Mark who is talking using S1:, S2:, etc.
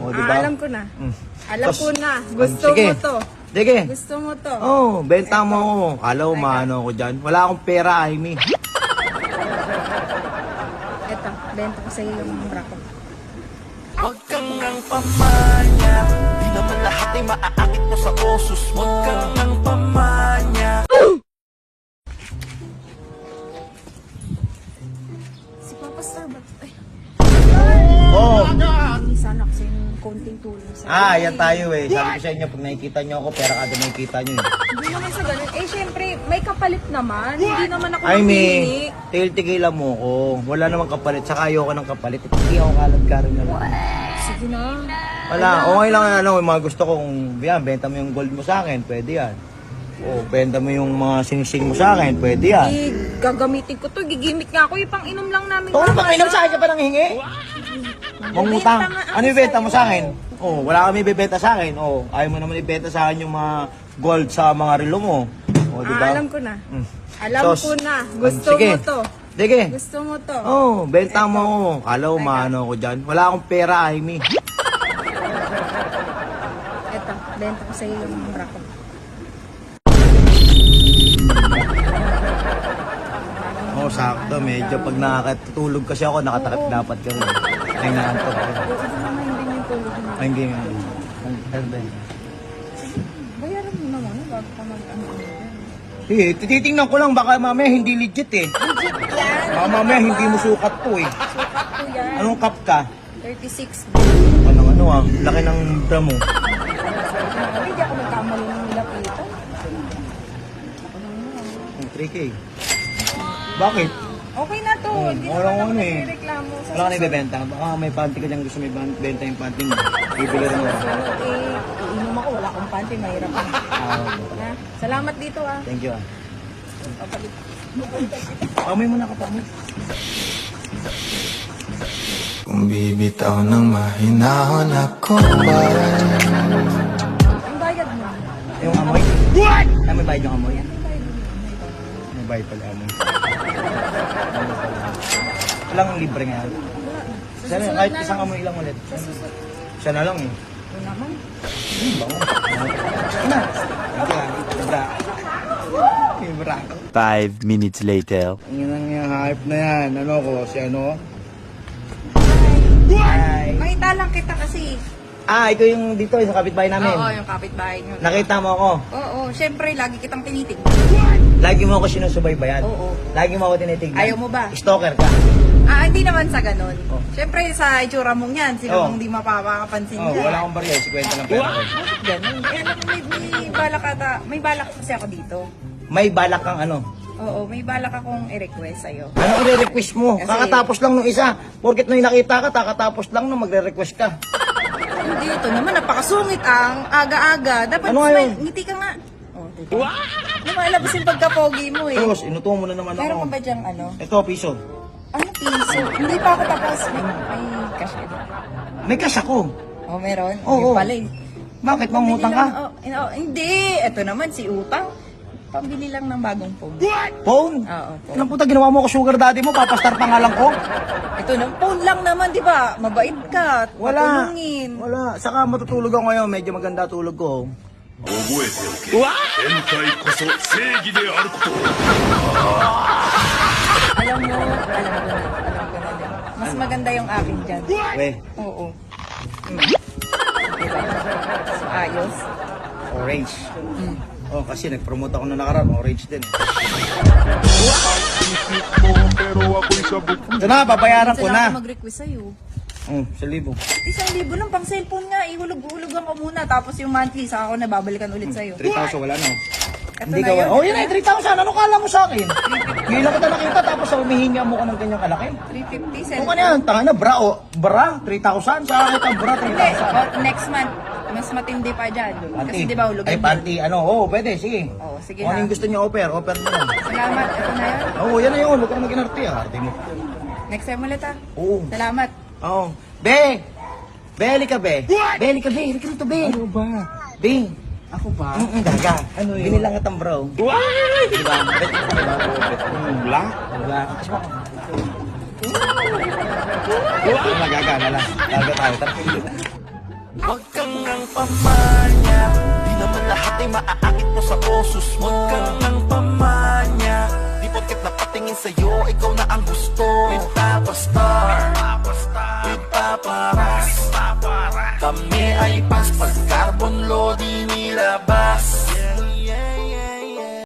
S1: O, diba?
S2: Alam ko na.
S1: Mm.
S2: Alam
S1: Tos.
S2: ko na. Gusto
S1: Sige.
S2: mo to.
S1: Sige.
S2: Gusto mo to.
S1: Oh, benta mo ako. Kala ko maano ako dyan. Wala akong pera, Amy.
S2: Eto, benta ko sa'yo yung bra ko.
S3: Huwag kang nang pamanya. Di naman lahat ay maaakit mo sa osos mo. Huwag kang nang pamanya.
S2: Si Papa Star ba? Ay,
S1: Oh.
S2: hindi sana kasi yung konting tulong sa'yo.
S1: Yan tayo eh. Sabi ko sa inyo, pag nakikita nyo ako, pera kada nakikita nyo eh.
S2: Hindi naman sa ganun. Eh, syempre, may kapalit naman. Hindi naman ako
S1: Amy,
S2: mamili.
S1: tigil-tigilan mo ako. Wala namang kapalit. Saka ayoko ng kapalit. Hindi ako kalad ka rin naman.
S2: Sige na.
S1: Wala, okay lang ano, yung mga gusto kong, yan, benta mo yung gold mo sa akin, pwede yan. O, benta mo yung mga sinising mo sa akin, pwede yan.
S2: Eh, gagamitin ko to. Gigimik nga ako. Ipang inom lang namin.
S1: Ito, ano
S2: mamaya.
S1: pang inom sa akin ka pa nang hingi? Mangutang.
S2: Bibenta nga ako
S1: Ano ibenta mo
S2: sa'yo.
S1: sa akin? Oh, wala kami ibebenta sa akin. Oh, ayaw mo naman ibenta sa akin yung mga gold sa mga relo mo. Oh, di ba?
S2: Alam ko na.
S1: Mm.
S2: Alam
S1: Sos.
S2: ko na. Gusto
S1: Sige.
S2: mo to.
S1: Sige.
S2: Gusto mo to.
S1: Oh, benta mo ako. Kala ko maano ako dyan. Wala akong pera, Amy.
S2: Eto, benta ko sa'yo yung bra ko.
S1: Oh, sakto. Medyo pag nakakatulog kasi ako, nakatakip dapat kami. Ay, naantok ako.
S2: Oo, hindi naman din yung tulog mo.
S1: Ay, hindi. Ano ba?
S2: Bayaran mo naman, bago ka mag-ano.
S1: Sige, titingnan ko lang. Baka mamaya hindi legit eh.
S2: Legit yan.
S1: Baka mamaya hindi mo sukat to eh.
S2: Sukat ko yan.
S1: Anong cup ka?
S2: 36.
S1: Ano ah? Laki ng bra mo.
S2: Hindi ako nagkamali ng nilapitan.
S1: 3K. Bakit?
S2: Okay na to. Hindi
S1: wala
S2: naman ako
S1: ano eh.
S2: nagreklamo. Sa
S1: Wala ka na ibebenta. Baka may panty ka dyan gusto may benta yung panty mo. Bibili rin mo.
S2: susunod eh, iinom ako. Wala akong panty. Mahirap ako. Ha? Salamat dito ah.
S1: Thank you ah.
S2: Papalit.
S1: Amoy mo na kapamay.
S3: Kung bibitaw ng mahinahon ako ba?
S2: Ang bayad mo.
S1: Yung amoy? What? Ay, may bayad yung amoy.
S2: Ang bayad mo.
S1: May bayad pala amoy. Walang libre nga.
S2: Sa
S1: Sana,
S2: susunod
S1: kahit
S2: na
S1: isang
S2: lang.
S1: amoy lang ulit.
S2: Sa susunod.
S1: Siya na lang eh.
S2: Ito naman.
S1: Bango. Ina. Bra. May bra.
S4: 5 minutes later.
S1: Ang yung hype na yan. Ano ko? Si ano?
S2: Hi. Makita lang kita kasi.
S1: Ikaw yung dito, yung kapitbahay namin.
S2: Oo, yung kapitbahay nyo.
S1: Nakita mo ako.
S2: Oo, syempre, lagi kitang tinitig.
S1: Lagi mo ako sinusubaybayan.
S2: Oo.
S1: Lagi mo ako tinitignan.
S2: Ayaw mo ba?
S1: Stalker ka.
S2: Hindi naman sa ganun.
S1: Oh.
S2: Syempre, sa itsura mong yan, sino
S1: Oh.
S2: mong di mapapakapansin
S1: Oh,
S2: dyan.
S1: wala akong barya. 50 lang pera ko.
S2: Bakit ganun? Eh, alam mo, may balak ata, may balak kasi ako dito.
S1: May balak kang ano.
S2: Oo, may balak akong i-request sa'yo.
S1: Ano i-request mo?
S2: Kasi-
S1: Kakatapos lang nung isa. Porket nung nakita ka, kakatapos lang nung magre-request ka.
S2: Hindi, ito naman, napakasungit ang aga-aga. Dapat
S1: Ano nga yun?
S2: ngiti ka nga. Oh, diba? Lumalabas yung pagka-pogi mo eh.
S1: Tapos, inuto mo na naman ako.
S2: Meron ka ba dyang ano?
S1: Ito, piso.
S2: Ano piso? Hindi pa ako tapos. May cash ka doon.
S1: May cash ako.
S2: Oh, meron?
S1: Oo.
S2: Yung pala eh.
S1: Bakit? Mangutang ka?
S2: Hindi. Ito naman si Utang. Pambili lang ng bagong phone.
S1: Phone?
S2: Oo, phone.
S1: Ilang puta, ginawa mo ako sugar daddy mo, papastar pa nga lang ko.
S2: Ito na, phone lang naman, di ba? Mabait ka.
S1: Wala.
S2: Patulungin.
S1: Wala. Saka matutulog ako ngayon, medyo maganda tulog ko.
S5: 覚えておけ変態こそ正義であることを
S2: Alam mo na. Din. Mas maganda yung akin dyan.
S1: We,
S2: Oo. Diba? So, ayos.
S1: orange. Oh, kasi nag-promote ako na nakaraan, orange din. Ito na, babayaran ko
S2: Sila
S1: na.
S2: ako mag-request sa'yo.
S1: 1,000.
S2: 1,000 lang pang cellphone nga. Ihulog-hulugan ko muna. Tapos yung monthly, saka ako nababalikan ulit sa'yo.
S1: 3,000, wala na.
S2: Ito
S1: Hindi
S2: na
S1: ka
S2: yun.
S1: Oh, yun ay 3,000. Ano kala mo sa akin? Ngayon lang kita nakita, tapos humihinga mo ka ng ganyang kalaki.
S2: 350
S1: Kung
S2: cellphone.
S1: ano yan, tanga na, bra, bra, 3,000. Sa akin ang bra,
S2: Hindi.
S1: 3,000.
S2: Next month, mas matindi pa dyan. Kasi di ba hulugan
S1: Ay,
S2: yun?
S1: panty, ano, pwede, sige.
S2: Oo, sige
S1: Kung ano
S2: na.
S1: yung gusto niyo, offer mo na.
S2: Salamat. Ito na yun.
S1: Oo, yan na yun, huwag ka na mag-inarte, arte mo.
S2: Next time ulit ah.
S1: Oo.
S2: Salamat.
S1: Oo. Be! Beli ka, be! Beli ka, be! Halika rito, be! Ano ba? Be!
S3: Ako ba?
S1: Gaga.
S3: Ano yun?
S1: Binilang kitang bro. Diba? Bet,
S3: Black?
S1: Black. Gaga na lang. Gaga tayo. Tara.
S3: Huwag kang nang pamanya, di naman lahat ay maaakit mo sa osos mo. Huwag kang nang pamanya, di porket napatingin sa'yo, ikaw na ang gusto. With Papa Star, with Papa Ras, kami ay paspas, carbon load inilabas.